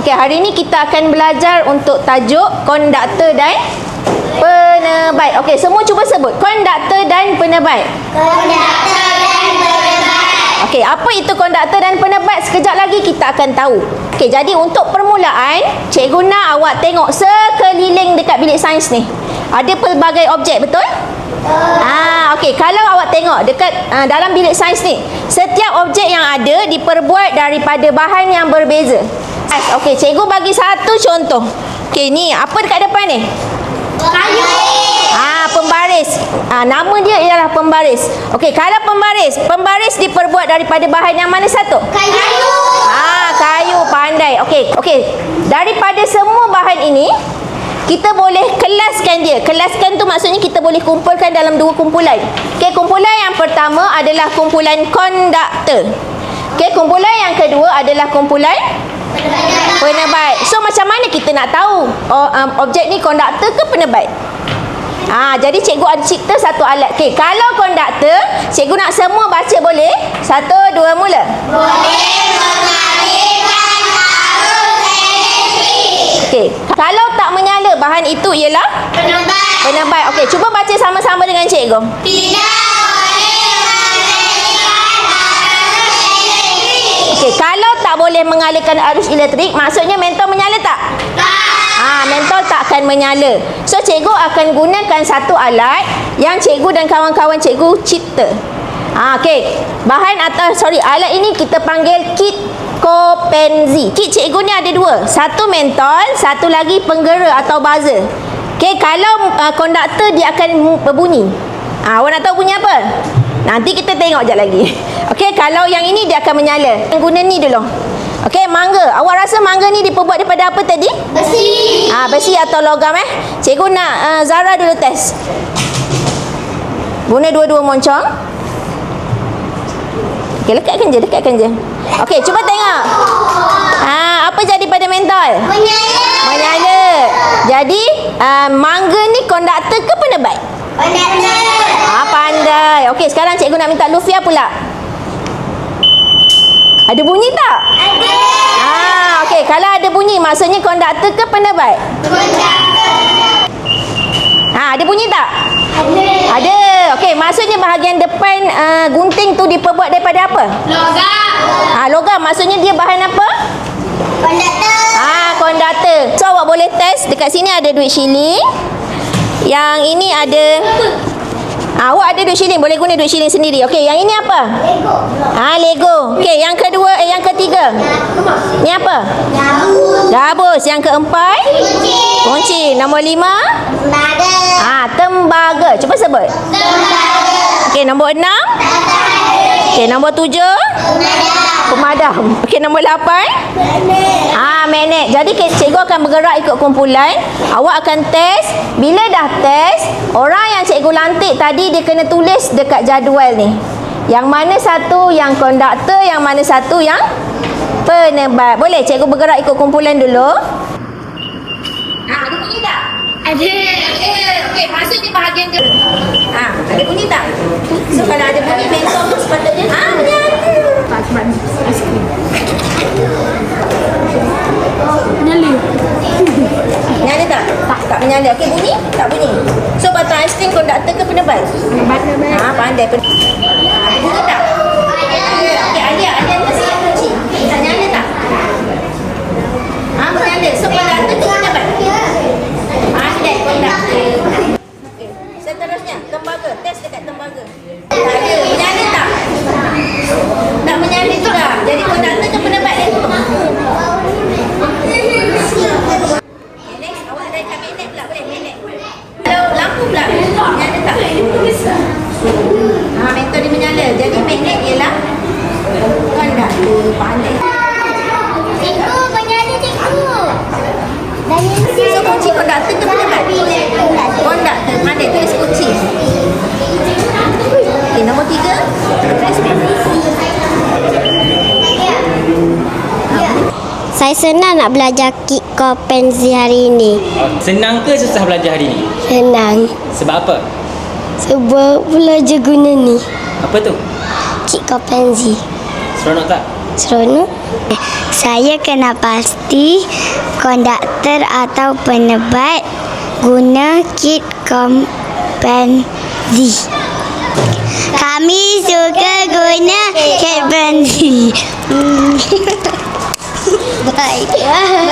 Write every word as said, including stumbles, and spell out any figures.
Okey, hari ni kita akan belajar untuk tajuk konduktor dan penerbait. Okey, semua cuba sebut. Konduktor dan penerbait. Konduktor dan penerbait. Okey, apa itu konduktor dan penerbait? Sekejap lagi kita akan tahu. Okey, jadi untuk permulaan, cikgu nak awak tengok sekeliling dekat bilik sains ni. Ada pelbagai objek, betul? Ah, okey, kalau awak tengok dekat uh, dalam bilik sains ni, setiap objek yang ada diperbuat daripada bahan yang berbeza. Okey, cikgu bagi satu contoh. Okey, ni apa dekat depan ni? Kayu. Ah, pembaris. Ah, nama dia ialah pembaris. Okey, kalau pembaris, pembaris diperbuat daripada bahan yang mana satu? Kayu. Ah, kayu, pandai. Okey, okey. Daripada semua bahan ini, kita boleh kelaskan dia. Kelaskan tu maksudnya kita boleh kumpulkan dalam dua kumpulan. Okey, kumpulan yang pertama adalah kumpulan konduktor. Okey, kumpulan yang kedua adalah kumpulan penerbait. So macam mana kita nak tahu oh, um, objek ni konduktor ke penerbait? Ah, jadi cikgu ada cipta satu alat. Okey, kalau konduktor, cikgu nak semua baca boleh? Satu, dua, mula. Boleh mengalirkan arus elektrik. Okey, kalau tak menyala, bahan itu ialah Penerbait. penerbait. Okey, cuba baca sama-sama dengan cikgu. Tidak boleh mengalirkan arus elektrik. Okey, kalau tak boleh mengalirkan arus elektrik, maksudnya mentol menyala tak? Tak. Ah, mentol tak akan menyala. So cikgu akan gunakan satu alat yang cikgu dan kawan-kawan cikgu cipta. Ah, okey. Bahan atau sorry, alat ini kita panggil kit Kopenzi. Kit cikgu ni ada dua. Satu mentol, satu lagi penggera atau buzzer. Okey, kalau uh, konduktor dia akan berbunyi. Ah, awak nak tahu bunyi apa? Nanti kita tengok jap lagi. Okey, kalau yang ini dia akan menyala. Guna ni dulu. Okey, mangga. Awak rasa mangga ni diperbuat daripada apa tadi? Besi. Ah, besi atau logam eh? Cikgu nak uh, Zara dulu test. Guna dua-dua moncong. Okey, lekatkan je, lekatkan je. Okey, cuba tengok. Ah, apa jadi pada mentol? Menyala. Menyala. Jadi, uh, mangga ni konduktor ke penerbait? Konduktor. Ah, pandai. Okey, sekarang cikgu nak minta Lufia pula. Ada bunyi tak? Ada. Ah, okey, kalau ada bunyi maksudnya konduktor ke penerbait? Konduktor. Ha, ada bunyi tak? Ada. Ada. Okey, maksudnya bahagian depan uh, gunting tu diperbuat daripada apa? Logam. Ha, logam. Maksudnya dia bahan apa? Konduktor. Ah, konduktor. So awak boleh test. Dekat sini ada duit shilling. Yang ini ada ah, awak ada duit shilling, boleh guna duit shilling sendiri. Okey, yang ini apa? Lego. Ah, Lego. Okey, yang kedua eh yang ketiga. Ni apa? Gabus. Gabus. Yang keempat? Kunci. Kunci. Nombor lima? Tembaga. Ah, tembaga. Cuba sebut. Tembaga. Okey, nombor enam? Okey, nombor tujuh? Pemadam. Okey, nombor lapan? Ah, magnet. Jadi cikgu akan bergerak ikut kumpulan. Awak akan test. Bila dah test, orang yang cikgu lantik tadi dia kena tulis dekat jadual ni. Yang mana satu yang konduktor, yang mana satu yang penerbait. Boleh cikgu bergerak ikut kumpulan dulu? Ah, ada bunyi tak? Ada. Eh, okey, maksudnya bahagian ke? Ah, ada bunyi tak? So kalau ada bunyi mentol tu sepatutnya ah menyala. Menyala. Menyala tak? Tak, tak menyala. Okey, bunyi? Tak bunyi. So batang aiskrim konduktor ke penerbait? Penerbait. Ah, pandai. Pen- ah, ada bunyi tak? Ada. Okey, Alia, Alia kasi yang kunci. Tak nyala tak? Ah, menyala. So konduktor ke penerbait? Pandai konduktor. Okey, seterusnya tembaga. Test dekat tembaga. Tak ada. Menyala tak? Tak menyala juga. Jadi konduktor ke penerbait? Next, awak ada kat magnet pula. Boleh magnet. Kalau lampu pula, menyala tak? Ha, mentol dia menyala. Jadi magnet ialah konduktor. Pandai. Cikgu, menyala cikgu. Dan ini So, kunci konduktor ke penerbait? Konduktor. Pandai tulis kunci. Okey, nombor tiga. Saya senang nak belajar kit Kopenzi hari ini. Senang ke susah belajar hari ni? Senang. Sebab apa? Sebab belajar guna ni. Apa tu? Kit Kopenzi. Seronok tak? Seronok. Saya kena pasti konduktor atau penebat guna kit kompensi. Kami suka guna kit kompensi. Baik.